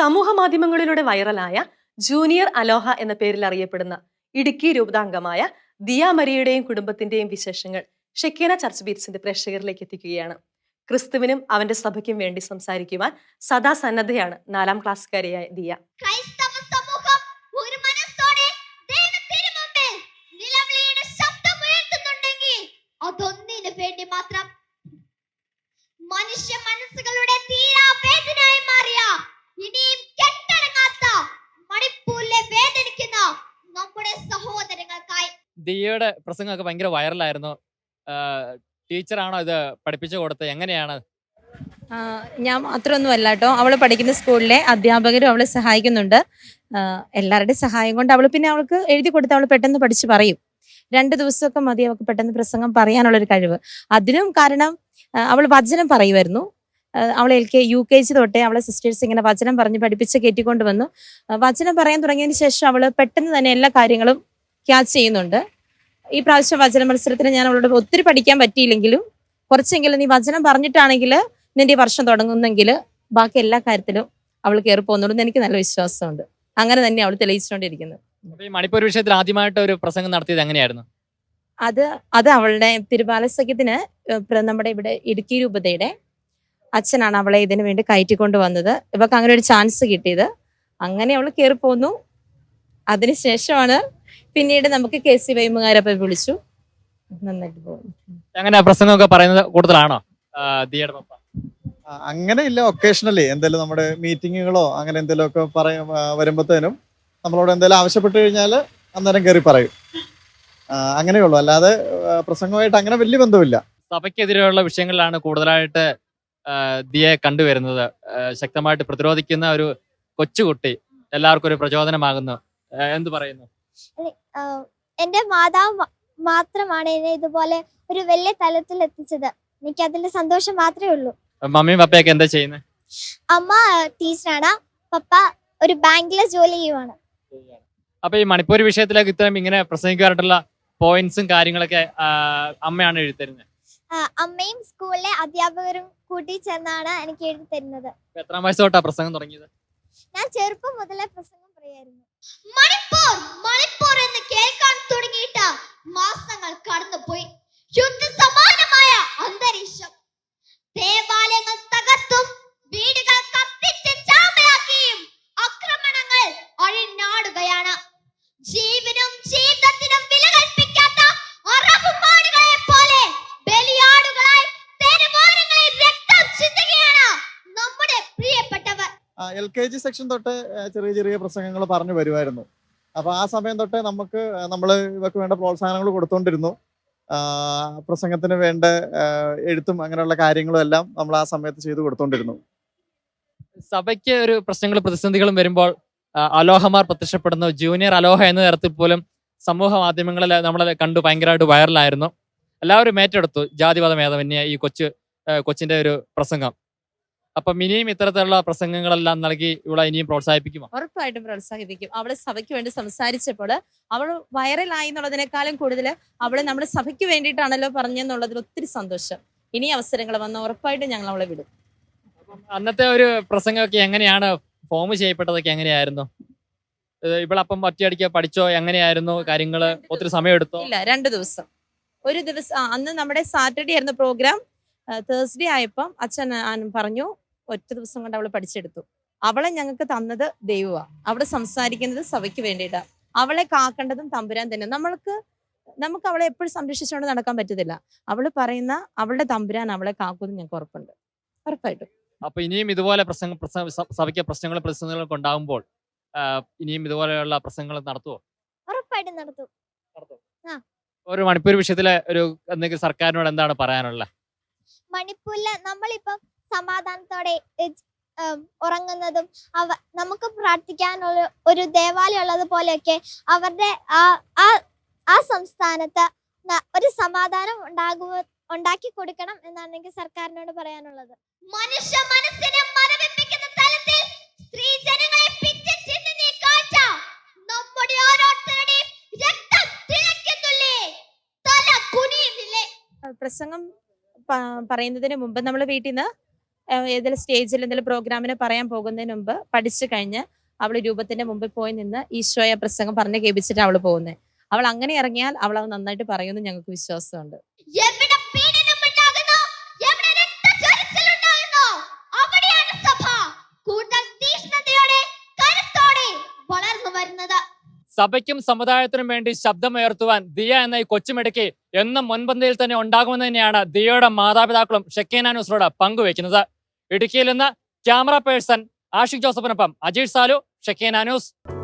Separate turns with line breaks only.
സമൂഹ മാധ്യമങ്ങളിലൂടെ വൈറലായ ജൂനിയർ അലോഹ എന്ന പേരിൽ അറിയപ്പെടുന്ന ഇടുക്കി രൂപതാംഗമായ ദിയ മരിയയുടെയും കുടുംബത്തിന്റെയും വിശേഷങ്ങൾ ഷെക്കീന ചർച്ച് ബീറ്റ്സിന്റെ പ്രേക്ഷകരിലേക്ക് എത്തിക്കുകയാണ്. ക്രിസ്തുവിനും അവന്റെ സഭയ്ക്കും വേണ്ടി സംസാരിക്കുവാൻ സദാ സന്നദ്ധയാണ് 4ാം ക്ലാസ്സുകാരിയായ ദിയ.
മനുഷ്യ മനസ്സുകളുടെ തീരാവേദനയായി മാറിയ ഇനിയും കെട്ടടങ്ങാത്ത മണിപ്പൂരിലെ വേദനിക്കുന്ന നമ്മുടെ സഹോദരങ്ങൾക്കായി.
ദിയയുടെ പ്രസംഗമൊക്കെ ഭയങ്കര വൈറലായിരുന്നു. ടീച്ചറാണോ ഇത് പഠിപ്പിച്ചു കൊടുത്തത്? എങ്ങനെയാണ്?
ഞാൻ മാത്രമൊന്നും അല്ല കേട്ടോ, അവൾ പഠിക്കുന്ന സ്കൂളിലെ അധ്യാപകരും അവളെ സഹായിക്കുന്നുണ്ട്. എല്ലാവരുടെയും സഹായം കൊണ്ട് അവൾക്ക് എഴുതി കൊടുത്ത് അവൾ പെട്ടെന്ന് പഠിച്ച് പറയും. 2 ദിവസമൊക്കെ മതി അവൾക്ക് പെട്ടെന്ന് പ്രസംഗം പറയാനുള്ളൊരു കഴിവ്. അതിനും കാരണം അവൾ വചനം പറയുമായിരുന്നു. അവൾ UKG തൊട്ടേ അവളെ സിസ്റ്റേഴ്സ് ഇങ്ങനെ വചനം പറഞ്ഞ് പഠിപ്പിച്ച് കയറ്റിക്കൊണ്ട് വന്നു. വചനം പറയാൻ തുടങ്ങിയതിന് ശേഷം അവൾ പെട്ടെന്ന് തന്നെ എല്ലാ കാര്യങ്ങളും ക്യാച്ച് ചെയ്യുന്നുണ്ട്. ഈ പ്രാവശ്യം വചന മത്സരത്തിന് ഞാൻ അവളോട് ഒത്തിരി പഠിക്കാൻ പറ്റിയില്ലെങ്കിലും കുറച്ചെങ്കിലും നീ വചനം പറഞ്ഞിട്ടാണെങ്കിൽ നിന്റെ വർഷം തുടങ്ങുന്നെങ്കിൽ ബാക്കി എല്ലാ കാര്യത്തിലും അവൾ കയറി പോകുന്നുള്ളൂ എന്ന് എനിക്ക് നല്ല വിശ്വാസമുണ്ട്. അങ്ങനെ തന്നെ അവൾ തെളിയിച്ചുകൊണ്ടിരിക്കുന്നത്.
ഈ മണിപ്പൂർ വിഷയത്തിൽ ആദ്യമായിട്ട് ഒരു പ്രസംഗം നടത്തിയത് എങ്ങനെയായിരുന്നു?
അത് അവളുടെ തിരുബാല സഖ്യത്തിന് നമ്മുടെ ഇവിടെ ഇടുക്കി രൂപതയുടെ അച്ഛനാണ് അവളെ ഇതിനു വേണ്ടി കയറ്റിക്കൊണ്ട് വന്നത്. ഇവർക്ക് അങ്ങനെ ഒരു ചാൻസ് കിട്ടിയത്. അങ്ങനെ അവൾ കയറി പോന്നു. അതിനുശേഷമാണ് പിന്നീട് നമുക്ക് KC വൈമുകാരപ്പം വിളിച്ചു. നന്നായിട്ട് പോകുന്നു.
അങ്ങനെ പ്രസംഗമൊക്കെ പറയുന്നത് കൂടുതലാണോ ദിയയുടെ പപ്പ?
അങ്ങനെ ഇല്ല, ഒക്കേഷണലി എന്തെങ്കിലും നമ്മുടെ മീറ്റിങ്ങുകളോ അങ്ങനെ എന്തെങ്കിലുമൊക്കെ വരുമ്പോഴത്തേനും നമ്മളോട് എന്തെങ്കിലും ആവശ്യപ്പെട്ട് കഴിഞ്ഞാൽ അന്നേരം കയറി പറയും. അങ്ങനെയുള്ളൂ, അല്ലാതെ പ്രസംഗമായിട്ട് അങ്ങനെ വലിയ ബന്ധമില്ല.
സഭയ്ക്കെതിരെയുള്ള വിഷയങ്ങളിലാണ് കൂടുതലായിട്ട് ദിയെ കണ്ടുവരുന്നത്. ശക്തമായിട്ട് പ്രതിരോധിക്കുന്ന ഒരു കൊച്ചുകുട്ടി എല്ലാവർക്കും ഒരു പ്രചോദനമാകുന്നു. എന്ത് പറയുന്നു?
എന്റെ മാതാവ് മാത്രമാണ് എന്നെ ഇതുപോലെ ഒരു വലിയ തലത്തിൽ എത്തിച്ചത്. എനിക്ക് അതിന്റെ സന്തോഷം മാത്രമേ ഉള്ളൂ.
മമ്മിയും പപ്പയൊക്കെ എന്താ ചെയ്യുന്നത്?
അമ്മ ടീച്ചറാണ്, പപ്പ ഒരു ബാങ്കിലെ ജോലി ചെയ്യുവാണ്.
അപ്പൊ ഈ മണിപ്പൂർ വിഷയത്തിലേക്ക് ഇത്രയും ഇങ്ങനെ പ്രസംഗിക്കാനായിട്ടുള്ള പോയിന്റ്സും കാര്യങ്ങളൊക്കെ അമ്മയാണ് എഴുതി തരുന്നത്?
അമ്മയും സ്കൂളിലെ അധ്യാപകരും കൂട്ടി ചേർന്നാണ് എനിക്ക് എഴുതി തരുന്നത്.
എത്രാം വയസ്സ് തൊട്ടാ പ്രസംഗം തുടങ്ങിയത്?
ഞാൻ ചെറുപ്പം മുതലേ പ്രസംഗം പറയായിരുന്നു. മണിപ്പൂർ എന്ന് കേൾക്കാൻ തുടങ്ങിയിട്ട് മാസങ്ങൾ കടന്നുപോയി. യുദ്ധസമാനമായ അന്തരീക്ഷം. ദേവാലയങ്ങൾ തകർത്തും വീടുകൾ കത്തിച്ച് ചാമ്പലാക്കിയും ആക്രമണങ്ങൾ അഴിഞ്ഞാടുകയാണ്. ജീവനും ജീവിതത്തിനും വില കൽപ്പിക്കാത്ത അറബ് മാടുകളെ പോലെ ബലിയാടുകളായി തെരുവോരങ്ങളിൽ രക്തം ചിന്തുകയാണ് നമ്മുടെ പ്രിയപ്പെട്ടവർ.
LKG സെക്ഷൻ തൊട്ട് ചെറിയ ചെറിയ പ്രസംഗങ്ങൾ പറഞ്ഞു വരുമായിരുന്നു. അപ്പോൾ ആ സമയം തൊട്ടേ നമ്മൾ ഇവർക്ക് വേണ്ട പ്രോത്സാഹനങ്ങൾ കൊടുത്തോണ്ടിരുന്നു. പ്രസംഗത്തിന് വേണ്ട എഴുത്തും അങ്ങനെയുള്ള കാര്യങ്ങളും എല്ലാം നമ്മൾ ആ സമയത്ത് ചെയ്തു കൊടുത്തോണ്ടിരുന്നു.
സഭയ്ക്ക് ഒരു പ്രശ്നങ്ങളും പ്രതിസന്ധികളും വരുമ്പോൾ അലോഹമാർ പ്രത്യക്ഷപ്പെടുന്നു. ജൂനിയർ അലോഹ എന്ന തരത്തിൽ പോലും സമൂഹ മാധ്യമങ്ങളിൽ നമ്മളെ കണ്ടു ഭയങ്കരമായിട്ട് വൈറലായിരുന്നു. എല്ലാവരും ഏറ്റെടുത്തു ജാതിമത ഭേദമന്യേ ഈ കൊച്ചിന്റെ ഒരു പ്രസംഗം. അപ്പം ഇനിയും ഇത്തരത്തിലുള്ള പ്രസംഗങ്ങളെല്ലാം നൽകി ഇവിടെ ഇനിയും പ്രോത്സാഹിപ്പിക്കുമോ?
ഉറപ്പായിട്ടും പ്രോത്സാഹിപ്പിക്കും. അവള് സഭയ്ക്ക് വേണ്ടി സംസാരിച്ചപ്പോൾ അവൾ വൈറലായി എന്നുള്ളതിനേക്കാളും കൂടുതൽ അവള് നമ്മുടെ സഭയ്ക്ക് വേണ്ടിയിട്ടാണല്ലോ പറഞ്ഞെന്നുള്ളതിൽ ഒത്തിരി സന്തോഷം. ഇനി അവസരങ്ങൾ വന്ന ഉറപ്പായിട്ടും ഞങ്ങൾ അവളെ വിടും.
അന്നത്തെ ഒരു പ്രസംഗമൊക്കെ എങ്ങനെയാണ് ഫോം ചെയ്യപ്പെട്ടതൊക്കെ എങ്ങനെയായിരുന്നു? ഇവളപ്പം ഒറ്റയടിക്ക് പഠിച്ചോ? എങ്ങനെയായിരുന്നു കാര്യങ്ങള്? ഒത്തിരി സമയം എടുത്തോ?
ഇല്ല, 2 ദിവസം. ഒരു ദിവസം അന്ന് നമ്മുടെ സാറ്റർഡേ ആയിരുന്നു പ്രോഗ്രാം. തേഴ്സ്ഡേ ആയപ്പം അച്ഛൻ പറഞ്ഞു ഒറ്റ ദിവസം കൊണ്ട് അവള് പഠിച്ചെടുത്തു. അവളെ ഞങ്ങൾക്ക് തന്നത് ദൈവമാണ്. അവിടെ സംസാരിക്കുന്നത് സഭയ്ക്ക് വേണ്ടിയിട്ടാണ്. അവളെ കാക്കേണ്ടതും തമ്പുരാൻ തന്നെ. നമുക്ക് അവളെ എപ്പോഴും സംരക്ഷിച്ചുകൊണ്ട് നടക്കാൻ പറ്റത്തില്ല. അവള് പറയുന്ന അവളുടെ തമ്പുരാൻ അവളെ കാക്കുമെന്ന് ഞങ്ങൾക്ക് ഉറപ്പുണ്ട്. ഉറപ്പായിട്ടും.
അപ്പൊ ഇനിയും ഇതുപോലെ സഭയ്ക്ക് പ്രശ്നങ്ങളും പ്രതിസന്ധികളൊക്കെ ഉണ്ടാകുമ്പോൾ ഇനിയും ഇതുപോലെയുള്ള പ്രസംഗങ്ങൾ നടത്തുമോ?
ഉറപ്പായിട്ടും നടത്തും.
ഒരു മണിപ്പൂർ വിഷയത്തിലെ ഒരു എന്തെങ്കിലും സർക്കാരിനോട് എന്താണ് പറയാനുള്ളത്?
മണിപ്പൂരില് നമ്മളിപ്പം സമാധാനത്തോടെ ഉറങ്ങുന്നതും നമുക്ക് പ്രാർത്ഥിക്കാനുള്ള ഒരു ദേവാലയം ഉള്ളത് പോലെയൊക്കെ അവരുടെ ആ സംസ്ഥാനത്ത് ഒരു സമാധാനം ഉണ്ടാക്കി കൊടുക്കണം എന്നാണ് എനിക്ക് സർക്കാരിനോട് പറയാനുള്ളത്. മനുഷ്യ മനസ്സിനെ മരവിപ്പിക്കുന്ന തലത്തിൽ സ്ത്രീജനങ്ങളെ പിച്ചിച്ചീന്തുന്ന ഈ കാഴ്ച നമ്മുടെ ഓരോരുത്തരുടെയും രക്തം തിളയ്ക്കുന്നില്ലേ, തല കുനിയുന്നില്ലേ?
പ്രസംഗം പറയുന്നതിന് മുമ്പ് നമ്മൾ വീട്ടിൽ നിന്ന് ഏതെങ്കിലും സ്റ്റേജിൽ എന്തെങ്കിലും പ്രോഗ്രാമിന് പറയാൻ പോകുന്നതിന് മുമ്പ് പഠിച്ചു കഴിഞ്ഞ് അവൾ രൂപത്തിന്റെ മുമ്പിൽ പോയി നിന്ന് ഈശോയെ പ്രസംഗം പറഞ്ഞ് കേൾപ്പിച്ചിട്ട് അവൾ പോകുന്നത്. അവൾ അങ്ങനെ ഇറങ്ങിയാൽ അവൾ അത് നന്നായിട്ട് പറയുമെന്ന് ഞങ്ങൾക്ക് വിശ്വാസമുണ്ട്.
എവിടെ പീഡനമുണ്ടാകുന്നു, എവിടെ രക്തച്ചൊരിച്ചിലുണ്ടാകുന്നു, അവിടെയാണ് സഭ കൂടുതൽ തീക്ഷ്ണതയോടെ കരുത്തോടെ വളർന്നു വരുന്നത്.
സഭയ്ക്കും സമുദായത്തിനും വേണ്ടി ശബ്ദമുയർത്തുവാൻ ദിയ എന്ന ഈ കൊച്ചുമിടുക്കി എന്നും മുൻപന്തിയിൽ തന്നെ ഉണ്ടാകുമെന്ന് തന്നെയാണ് ദിയയുടെ മാതാപിതാക്കളും ഷെക്കേന ന്യൂസിനോട് പങ്കുവെക്കുന്നത്. ഇടുക്കിയിൽ നിന്ന് ക്യാമറ പേഴ്സൺ ആഷിഖ് ജോസഫിനൊപ്പം അജീഷ് സാലു, ഷെക്കേന ന്യൂസ്.